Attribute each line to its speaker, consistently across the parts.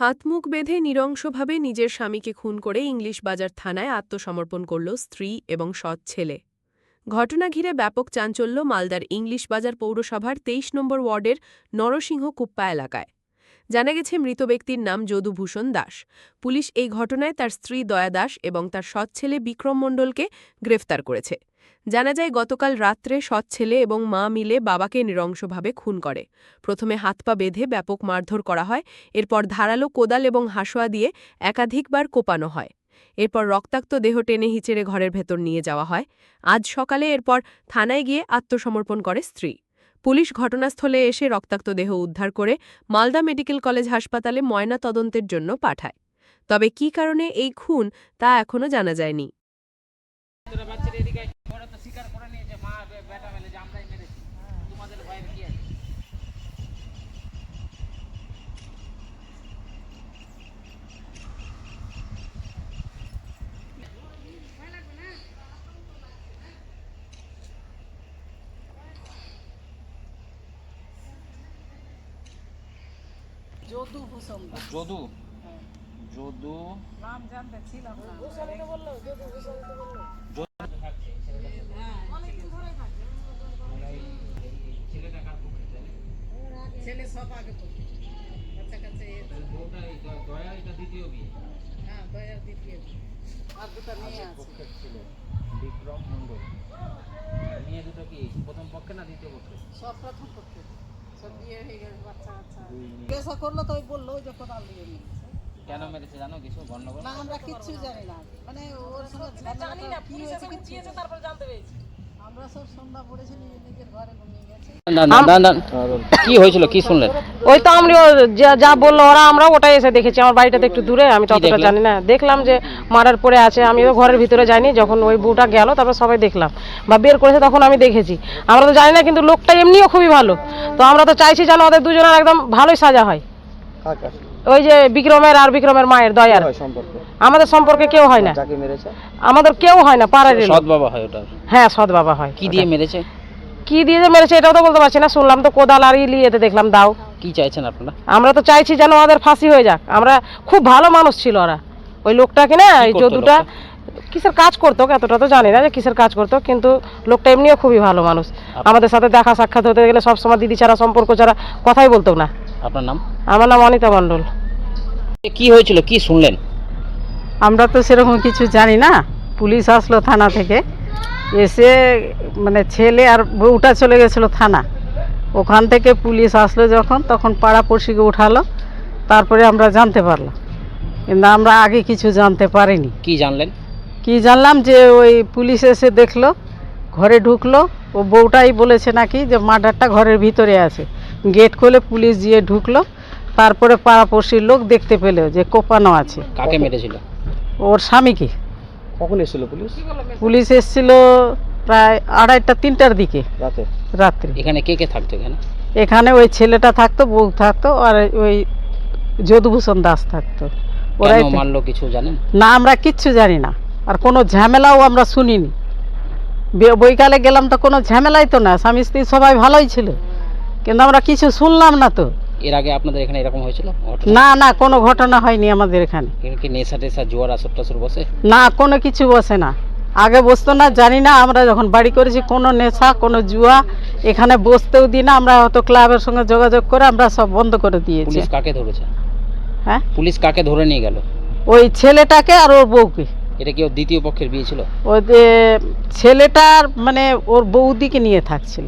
Speaker 1: হাত মুখ বেঁধে নৃশংসভাবে নিজের স্বামীকে খুন করে ইংলিশ বাজার থানায় আত্মসমর্পণ করল স্ত্রী এবং সৎ ছেলে। ঘটনা ঘিরে ব্যাপক চাঞ্চল্য মালদার ইংলিশ বাজার পৌরসভার ২৩ নম্বর ওয়ার্ডের নরসিংহ কুপ্পা এলাকায়। জানা গেছে মৃত ব্যক্তির নাম যদুভূষণ দাস। পুলিশ এই ঘটনায় তার স্ত্রী দয়া দাস এবং তার সৎ ছেলে বিক্রম মণ্ডলকে গ্রেফতার করেছে। জানা যায় গতকাল রাত্রে সৎ ছেলে এবং মা মিলে বাবাকে নৃশংসভাবে খুন করে। প্রথমে হাত পা বেঁধে ব্যাপক মারধর করা হয়, এরপর ধারালো কোদাল এবং হাঁসোয়া দিয়ে একাধিকবার কোপানো হয়। এরপর রক্তাক্ত দেহ টেনে হিচড়ে ঘরের ভেতর নিয়ে যাওয়া হয়। আজ সকালে এরপর থানায় গিয়ে আত্মসমর্পণ করে স্ত্রী। পুলিশ ঘটনাস্থলে এসে রক্তাক্ত দেহ উদ্ধার করে মালদা মেডিকেল কলেজ হাসপাতালে ময়না তদন্তের জন্য পাঠায়। তবে কী কারণে এই খুন তা এখনও জানা যায়নি।
Speaker 2: যদুভূষণ দাস।
Speaker 3: যদু যদু
Speaker 2: নাম জানতে ছিলাম না। ছেলে সব আগে পড়তো, কাছাকাছি। হ্যাঁ, দয়ার দ্বিতীয় বিয়ে। আর দুটো মেয়ে আছে।
Speaker 3: বিক্রম মণ্ডল। মেয়ে দুটো কি প্রথম পক্ষে না দ্বিতীয় পক্ষে?
Speaker 2: সব প্রথম পক্ষে, সব বিয়ে হয়ে গেছে, বাচ্চা কাচ্চা। পেশা করলো তো ওই বললো যে কোদাল দিয়ে মেরেছে।
Speaker 3: কেন মেরেছে জানো কিছু গন্ডগোল?
Speaker 2: না, আমরা কিচ্ছু জানি না। মানে ওর সঙ্গে জানি না, পুলিশ এসে দিয়েছে, তারপর জানতে পেরেছি। আমরা সব সন্ধ্যা পড়েছি, নিজের ঘরে ঘুমিয়ে গেছে।
Speaker 3: কি হয়েছিল, কি শুনলেন?
Speaker 4: ওই তো আমরা যা বললো ওরা, আমরা ওটাই এসে দেখেছি। আমার বাড়িটা তো একটু দূরে, আমি ততটা জানি না। দেখলাম যে মারার পরে আছে, আমি তো ঘরের ভিতরে যাইনি। যখন ওই বউটা গেল তারপর সবাই দেখলাম বা বের করেছে, তখন আমি দেখেছি। আমরা তো জানি না, কিন্তু লোকটা এমনিও খুবই ভালো। তো আমরা তো চাইছি যেন ওদের দুজনের একদম ভালোই সাজা হয়। ওই যে বিক্রমের আর বিক্রমের মায়ের দয়ার। আমাদের সম্পর্কে কেউ হয় না, আমাদের কেউ হয় না, পাড়ার
Speaker 3: সৎ বাবা হয় ওটা?
Speaker 4: হ্যাঁ, সৎ বাবা হয়।
Speaker 3: কি দিয়ে মেরেছে?
Speaker 4: কি দিয়ে যে মেরেছে এটাও তো বলতে পারছি না। শুনলাম তো কোদাল আর ইলিয়েতে দেখলাম দাও।
Speaker 3: কি চাইছেন আপনারা?
Speaker 4: আমরা তো চাইছি যেন ওদের ফাঁসি হয়ে যাক। আমরা খুব ভালো মানুষ ছিল ওরা। ওই লোকটা কিনা এই যদুটা কিসের কাজ করতো এতটা তো জানি না যে কিসের কাজ করতো, কিন্তু লোকটা এমনিও খুবই ভালো মানুষ। আমাদের সাথে দেখা সাক্ষাৎ হতে গেলে সবসময় দিদি ছাড়া, সম্পর্ক ছাড়া কথাই বলতো না।
Speaker 3: আপনার নাম?
Speaker 4: আমার নাম অনিতা মণ্ডল।
Speaker 3: কি হয়েছিল, কি শুনলেন?
Speaker 5: আমরা তো সেরকম কিছু জানি না। পুলিশ আসলো থানা থেকে, এসে মানে ছেলে আর বউটা চলে গেছিলো থানা। ওখান থেকে পুলিশ আসলো যখন, তখন পাড়াপড়শিকে উঠালো, তারপরে আমরা জানতে পারলাম। কিন্তু আমরা আগে কিছু জানতে পারিনি।
Speaker 3: কি জানলেন?
Speaker 5: কি জানলাম যে ওই পুলিশ এসে দেখলো, ঘরে ঢুকলো। ও বউটাই বলেছে নাকি যে মার্ডারটা ঘরের ভিতরে আছে। গেট খুলে পুলিশ গিয়ে ঢুকলো, তারপরে পাড়াপড়শির লোক দেখতে পেলো যে কোপানো আছে।
Speaker 3: কাকে মেরেছিল?
Speaker 5: ওর স্বামীকে।
Speaker 3: কখন এসেছিল পুলিশ?
Speaker 5: পুলিশ এসেছিল প্রায় 2:30-3টার দিকে রাত্রে।
Speaker 3: এখানে কে কে থাকতো?
Speaker 5: এখানে ওই ছেলেটা থাকতো, বউ থাকতো, আর ওই যদুভূষণ দাস থাকতো।
Speaker 3: ওরাই মারলো কিছু জানেন
Speaker 5: না? আমরা কিচ্ছু জানি না, আর কোনো ঝামেলাও আমরা শুনিনি। বৈকালে গেলাম তো কোনো ঝামেলাই তো না, স্বামী স্ত্রী সবাই ভালোই ছিল, কিন্তু আমরা কিছু শুনলাম না। তো
Speaker 3: এর আগে আপনাদের এখানে এরকম হয়েছিল?
Speaker 5: না না, কোনো ঘটনা হয়নি আমাদের এখানে।
Speaker 3: কি নেশা টেশা, জোয়ার আসর টাসর বসে?
Speaker 5: না, কোনো কিছু বসে না। আগে বসতো না, জানি না। আমরা যখন বাড়ি করেছি কোনো নেশা, কোনো জুয়া এখানে বসতেও দিই না। আমরা হয়তো ক্লাবের সঙ্গে যোগাযোগ করে আমরা সব বন্ধ করে দিয়েছি।
Speaker 3: পুলিশ কাকে ধরেছে?
Speaker 5: হ্যাঁ,
Speaker 3: পুলিশ কাকে ধরে নিয়ে গেল?
Speaker 5: ওই ছেলেটাকে আর ওর বউকে।
Speaker 3: এটা কি ওর দ্বিতীয় পক্ষের বিয়ে ছিল?
Speaker 5: ওই যে ছেলেটার মানে ওর বৌদিকে নিয়ে থাকছিল।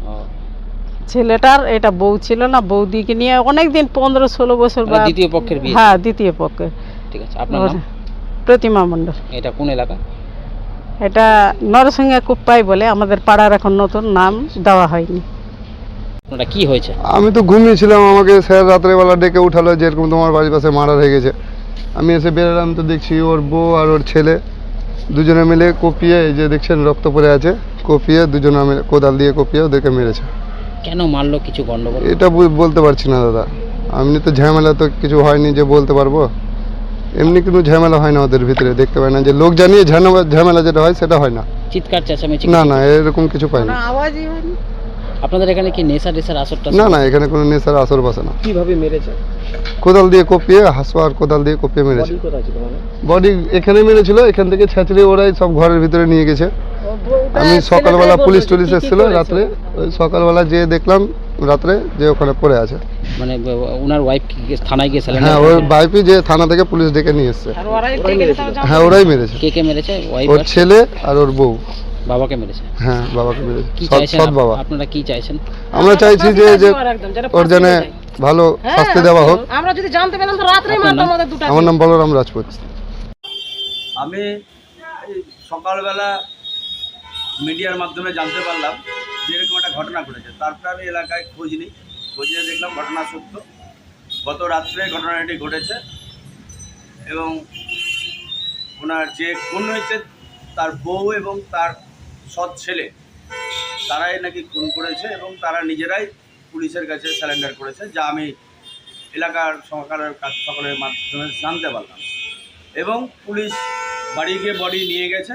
Speaker 5: ছেলেটার এটা বউ ছিল না, বৌদিকে নিয়ে অনেকদিন 15-16 বছর।
Speaker 3: দ্বিতীয় পক্ষের বিয়ে?
Speaker 5: হ্যাঁ, দ্বিতীয় পক্ষের।
Speaker 3: ঠিক আছে, আপনার নাম?
Speaker 5: প্রতিমা মণ্ডল।
Speaker 3: এটা কোন এলাকা?
Speaker 5: এটা নরসিংহ কুপ্পাই বলে, আমাদের পাড়ার এখন নতুন নাম দেওয়া হয়নি।
Speaker 3: আপনারা কি হয়েছে?
Speaker 6: আমি তো ঘুমিয়েছিলাম, আমাকে স্যার রাত্রেবেলা ডেকে উঠালো যে এরকম তোমার বাড়ির পাশে মার্ডার হয়ে গেছে। আমি এসে বেরোলাম তো দেখছি ওর বউ আর ওর ছেলে দুজনে মিলে কপিয়ে, এই যে দেখছেন রক্ত পড়ে আছে, কপিয়ে দুজনে মিলে কোদাল দিয়ে কপিয়ে ওদেরকে মেরেছে।
Speaker 3: কেন মারলো, কিছু গন্ডগোল?
Speaker 6: এটা বলতে পারছি না দাদা। এমনি তো ঝামেলা তো কিছু হয়নি যে বলতে পারবো। এমনি কোনো ঝামেলা হয় না ওদের ভিতরে, দেখতে পাই না যে লোক জানিয়ে ঝামেলা যেটা হয় সেটা হয় না।
Speaker 3: চিৎকার চেঁচামেচি?
Speaker 6: না না, এরকম কিছু পাই না।
Speaker 5: আওয়াজই হয়নি।
Speaker 3: আপনাদের এখানে কি নেশা টেশার আসরটা
Speaker 6: না না, এখানে কোনো নেশার আসর বসে না।
Speaker 3: কিভাবে মেরেছে?
Speaker 6: কোদাল দিয়ে কপিয়ে, হাসুয়া আর কোদাল দিয়ে কপিয়ে মেরেছে।
Speaker 3: কোথায় ছিল মানে?
Speaker 6: বডি এখানে মেরেছিল, এখান থেকে ছেঁচড়ে ওরাই সব ঘরের ভিতরে নিয়ে গেছে। আমি সকালবেলা পুলিশ টুলিশ এসেছিল রাত্রে, ওই সকালবেলা যেয়ে দেখলাম রাত্রে যে ওখানে পড়ে আছে।
Speaker 3: মানে ওনার ওয়াইফ থানায় গিয়ে স্যালেন্ডার
Speaker 6: হ্যাঁ, ওর বাইপি যে থানা থেকে পুলিশ ডেকে নিয়ে এসছে।
Speaker 4: আর ওরাই দেখে তারা জানতে
Speaker 6: হ্যাঁ, ওরাই মেরেছে।
Speaker 3: কে মেরেছে? ওয়াইফ
Speaker 6: ওর ছেলে আর ওর বউ।
Speaker 3: বাবাকে মেরেছে?
Speaker 6: হ্যাঁ, বাবাকে মেরেছে।
Speaker 3: কি
Speaker 6: সৎ
Speaker 3: চাইছেন
Speaker 6: সৎ বাবা।
Speaker 3: আপনারা কি চাইছেন?
Speaker 6: আমরা চাইছি যে যে
Speaker 4: একদম, যেটা
Speaker 6: ওর জন্য
Speaker 4: ফাঁসি হয়ে যায়।
Speaker 6: ভালো
Speaker 4: হ্যাঁ,
Speaker 6: শাস্তি দেওয়া হোক।
Speaker 4: আমরা যদি জানতে পেলাম তো রাত্রেই
Speaker 3: আপনার
Speaker 4: মারতাম
Speaker 3: নাম?
Speaker 4: আমাদের দুটা।
Speaker 6: আমার নাম বলরাম রাজপুত।
Speaker 7: আমি এই সকালবেলা মিডিয়ার মাধ্যমে জানতে পারলাম যে এরকম একটা ঘটনা ঘটেছে। তারপরে আমি এলাকায় খোঁজ নিই, খোঁজ নিয়ে দেখলাম ঘটনা সত্য। গত রাত্রে ঘটনাটি ঘটেছে এবং ওনার যে খুন হয়েছে তার বউ এবং তার সৎ ছেলে, তারাই নাকি খুন করেছে এবং তারা নিজেরাই পুলিশের কাছে স্যারেন্ডার করেছে, যা আমি এলাকার সকলের মাধ্যমে জানতে পারলাম। এবং পুলিশ বাড়ি গিয়ে বডি নিয়ে গেছে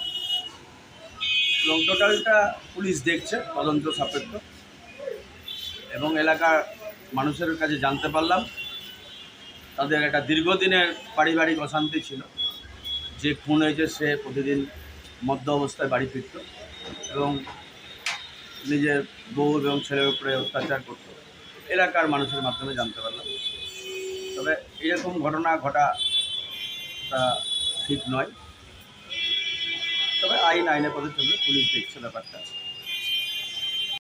Speaker 7: এবং টোটালটা পুলিশ দেখছে তদন্ত সাপেক্ষ। এবং এলাকার মানুষের কাছে জানতে পারলাম তাদের একটা দীর্ঘদিনের পারিবারিক অশান্তি ছিল। যে খুন হয়েছে সে প্রতিদিন মদ্য অবস্থায় বাড়ি ফিরত এবং নিজের বউ এবং ছেলের উপরে অত্যাচার করত। এলাকার মানুষের মাধ্যমে জানতে পারলাম। তবে এরকম ঘটনা ঘটাটা ঠিক নয়। তবে আইনে পদে চলবে, পুলিশ দেখছে ব্যাপারটা।